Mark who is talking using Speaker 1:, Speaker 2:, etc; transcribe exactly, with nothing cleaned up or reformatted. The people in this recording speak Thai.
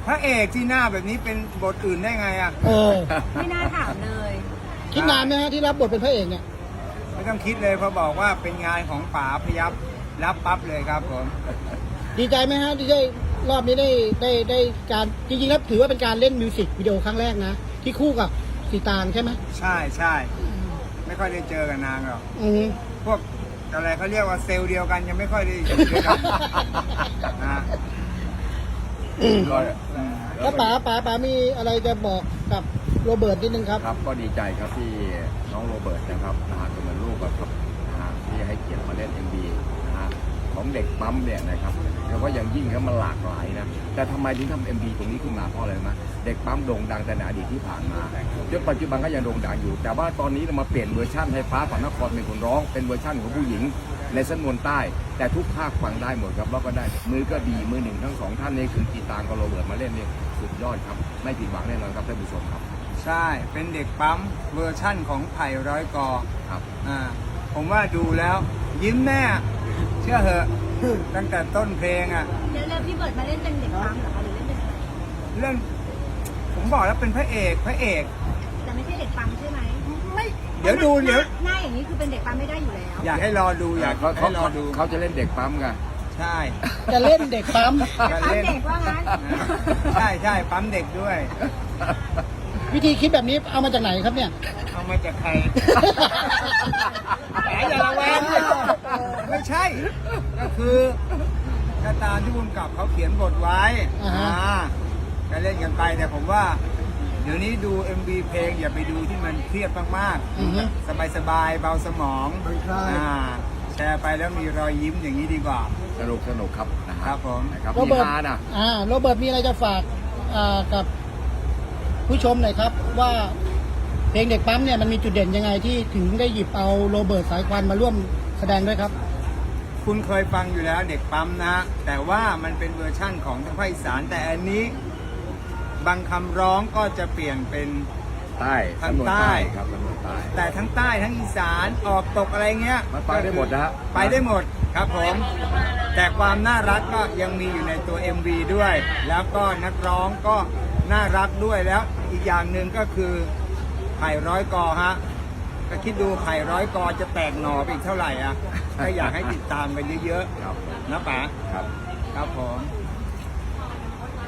Speaker 1: พระเอกที่หน้าแบบนี้เป็นบทอื่นได้ไงอ่ะ
Speaker 2: เออ
Speaker 3: ไม่น่าถามเลย
Speaker 2: คิดนานไหมฮะที่รับบทเป็นพระเอกเนี่ย
Speaker 1: ไม่ต้องคิดเลยพอบอกว่าเป็นงานของป๋าพยับรับปั๊บเลยครับผม
Speaker 2: ดีใจไหมฮะที่ได้รอบนี้ได้ได้ได้การจริงๆแล้วถือว่าเป็นการเล่นมิวสิกวิดีโอครั้งแรกนะ ที่คู่กับสีตางใช่ไหม
Speaker 1: ใช่ใช่ไม่ค่อยได้เจอกันนางหรอก
Speaker 2: อืม
Speaker 1: พวกอะไรเขาเรียกว่าเซลล์เดียวกันยังไม่ค่อยได้อยู่ด้วยกันนะ
Speaker 4: ก็
Speaker 2: แล้วป๋าป๋าป๋ามีอะไรจะบอกกับโรเบิร์ตนิดนึงครับ
Speaker 4: ครับก็ดีใจครับที่น้องโรเบิร์ตนะครับนะฮะก็เหมือนลูกอะครับนะฮะที่ให้เกียรติมาเล่น เอ็ม วี นะฮะของเด็กปั๊มเนี่ยนะครับแล้วก็อย่างยิ่งครับมันหลากหลายนะแต่ทำไมถึงทำ เอ็ม วี ตรงนี้ขึ้นมาเพราะอะไรนะเด็กปั๊มโด่งดังแต่ในอดีตที่ผ่านมาจนปัจจุบันก็ยังโด่งดังอยู่ แต่ว่าตอนนี้เรามาเปลี่ยนเวอร์ชันให้ฟ้าฝันนครเป็นคนร้องเป็นเวอร์ชันของผู้หญิงในสำนวนใต้ แต่ทุกภาคฟังได้หมดครับแล้วก็ได้มือก็ดีมือหนึ่งทั้งสองท่านนี่คือกีตาร์กับโรเบิร์ตมาเล่นนี่สุดยอดครับไม่ผิดหวังแน่นอนครับท่านผู้ชมครับ
Speaker 1: ใช่เป็นเด็กปั๊มเวอร์ชั่นของไผ่ร้อยกอ
Speaker 4: ครับ
Speaker 1: อ่าผมว่าดูแล้วยิ้มแน่เชื่อเหอะตั้งแต่ต้นเพลงอ่ะ
Speaker 3: แล้วแล้วพี่เบิร์ดมาเล่นเป็นเด็กปั๊มเหรอคะหรือเล่นเป็นอะไร
Speaker 1: เรื่องผมบอกแล้วเป็นพระเอกพระเอก
Speaker 3: แต่ไม่ใช่เด็กปั๊มใช่ไหม
Speaker 1: ไม่เดี๋ยวดูเดี๋ยว
Speaker 3: หน้าอย่างนี้คือเป็นเด็กปั๊มไม่ได้อยู่แล้ว
Speaker 1: อยากให้รอดูอยาก
Speaker 4: เขา
Speaker 1: ให้
Speaker 4: เขา
Speaker 1: รอดู
Speaker 4: เขาจะเล่นเด็กปั๊มกัน
Speaker 1: ใช่
Speaker 2: จะเล่นเด็กปั๊ม
Speaker 3: ปั๊มเด็กว่างั้น
Speaker 1: ใช่ใช่ปั๊มเด็กด้วย
Speaker 2: วิธีคิดแบบนี้เอามาจากไหนครับเนี่ย
Speaker 1: เอามาจากใครแหมอย่าระแวงไม่ใช่ ก็คือก็ตามที่บุญกับเขาเขียนบทไว้
Speaker 2: อ่าฮะ
Speaker 1: อ่าก็เล่นกันไปแต่ผมว่า เดี๋ยวนี้ดู เอ็ม วี เพลงอย่าไปดูที่มันเครียดมาก
Speaker 2: อือฮึ
Speaker 1: ๆ สบายๆ เบาสมองอ่าแชร์ไปแล้วมีรอยยิ้มอย่างนี้ดีกว่า
Speaker 4: สนุกสนุกครับนะค
Speaker 1: ครั
Speaker 4: รับบ
Speaker 1: ผม
Speaker 4: นะครับ
Speaker 2: โร
Speaker 4: มี
Speaker 2: เบิร์ต
Speaker 4: ฮานะ
Speaker 2: อ่าโรเบิร์ตมีอะไรจะฝากอ่ากับผู้ชมหน่อยครับ ว่าเพลงเด็กปั๊มเนี่ยมันมีจุดเด่นยังไงที่ถึงได้หยิบเอาโรเบิร์ตสายควันมาร่วมแสดงด้วยครับ
Speaker 1: คุณเคยฟังอยู่แล้วเด็กปั๊มนะ แต่ว่ามันเป็นเวอร์ชั่นของทางภาคอีสาน แต่อันนี้บางคำร้องก็จะเปลี่ยนเป็น
Speaker 4: ใต้
Speaker 1: ทาง
Speaker 4: สำนวน
Speaker 1: ใต้
Speaker 4: ครับสำนวนใต้
Speaker 1: แต่ทั้งใต้ทั้งอีสานออกตกอะไรเงี้ย
Speaker 4: มันไปได้หมดนะฮะ
Speaker 1: ไปได้หมดครับผม แต่ความน่ารักก็ยังมีอยู่ในตัว เอ็ม วี ด้วย แล้วก็นักร้องก็น่ารักด้วยแล้วอีกอย่างหนึ่งก็คือไผ่ร้อยกอฮะก็คิดดูไผ่ร้อยกอจะแตกหน่อไปอีกเท่าไหร่อ่ะก็อยากให้ติดตามกันเยอะ
Speaker 4: ครับ
Speaker 1: ๆนะป๋า
Speaker 4: ครับ
Speaker 1: ครับผม